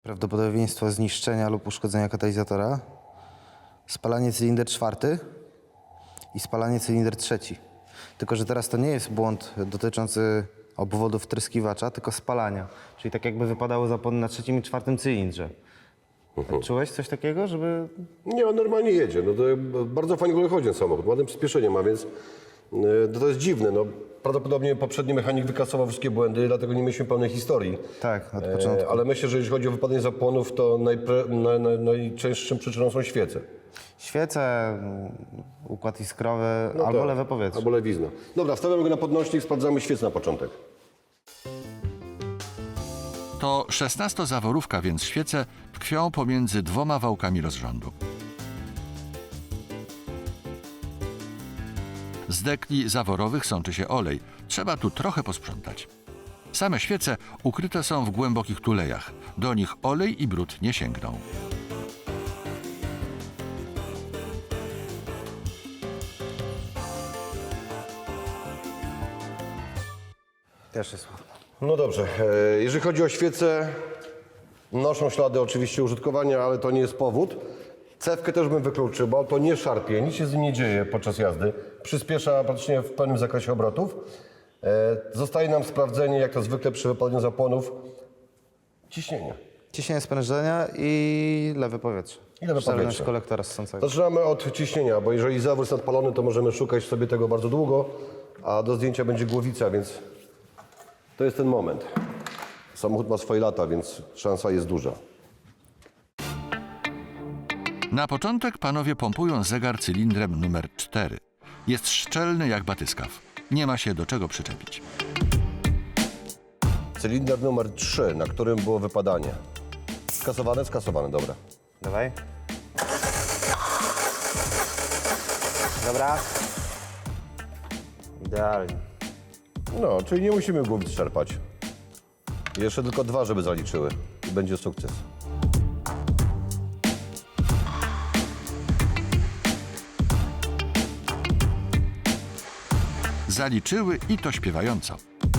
Prawdopodobieństwo zniszczenia lub uszkodzenia katalizatora, spalanie cylinder czwarty i spalanie cylinder trzeci. Tylko że teraz to nie jest błąd dotyczący obwodu wtryskiwacza, tylko spalania. Czyli tak jakby wypadały zapłony na trzecim i czwartym cylindrze. Czułeś coś takiego, żeby... Nie, on normalnie jedzie. No to bardzo fajnie w ogóle chodzi ten samochód. Ładne przyspieszenie ma, więc to jest dziwne. No, prawdopodobnie poprzedni mechanik wykasował wszystkie błędy, dlatego nie mieliśmy pełnej historii. Tak, od początku. Ale myślę, że jeśli chodzi o wypadanie zapłonów, to najczęstszą przyczyną są świece. Świece, układ iskrowy albo tak, lewe powietrze. Albo lewizna. Dobra, stawiamy go na podnośnik, sprawdzamy świece na początek. To 16-zaworówka, więc świece tkwią pomiędzy dwoma wałkami rozrządu. Z dekli zaworowych sączy się olej. Trzeba tu trochę posprzątać. Same świece ukryte są w głębokich tulejach. Do nich olej i brud nie sięgną. Też jest. No dobrze, jeżeli chodzi o świece, noszą ślady oczywiście użytkowania, ale to nie jest powód. Cewkę też bym wykluczył, bo to nie szarpie, nic się z nim nie dzieje podczas jazdy. Przyspiesza praktycznie w pełnym zakresie obrotów. Zostaje nam sprawdzenie, jak to zwykle przy wypadaniu zapłonów, ciśnienia. Ciśnienie sprężenia i lewe powietrze. I lewe Szczelność powietrze. kolektora ssącego. Zaczynamy od ciśnienia, bo jeżeli zawór jest nadpalony, to możemy szukać sobie tego bardzo długo, a do zdjęcia będzie głowica, więc to jest ten moment. Samochód ma swoje lata, więc szansa jest duża. Na początek panowie pompują zegar cylindrem numer 4. Jest szczelny jak batyskaw. Nie ma się do czego przyczepić. Cylinder numer 3, na którym było wypadanie. Skasowane? Skasowane, dobra. Dawaj. Dobra. Idealnie. No, czyli nie musimy głowic czerpać. Jeszcze tylko 2, żeby zaliczyły. I będzie sukces. Zaliczyły i to śpiewająco.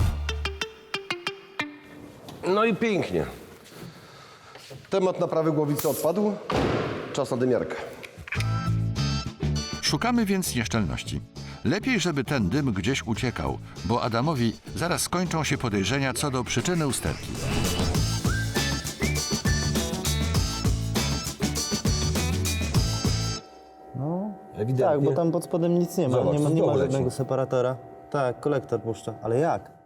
No i pięknie. Temat naprawy głowicy odpadł. Czas na dymiarkę. Szukamy więc nieszczelności. Lepiej, żeby ten dym gdzieś uciekał, bo Adamowi zaraz skończą się podejrzenia co do przyczyny usterki. Ewidentnie. Tak, bo tam pod spodem nic nie ma. Zobacz, to nie znowu ma leci. żadnego separatora. Tak, kolektor puszcza. Ale jak?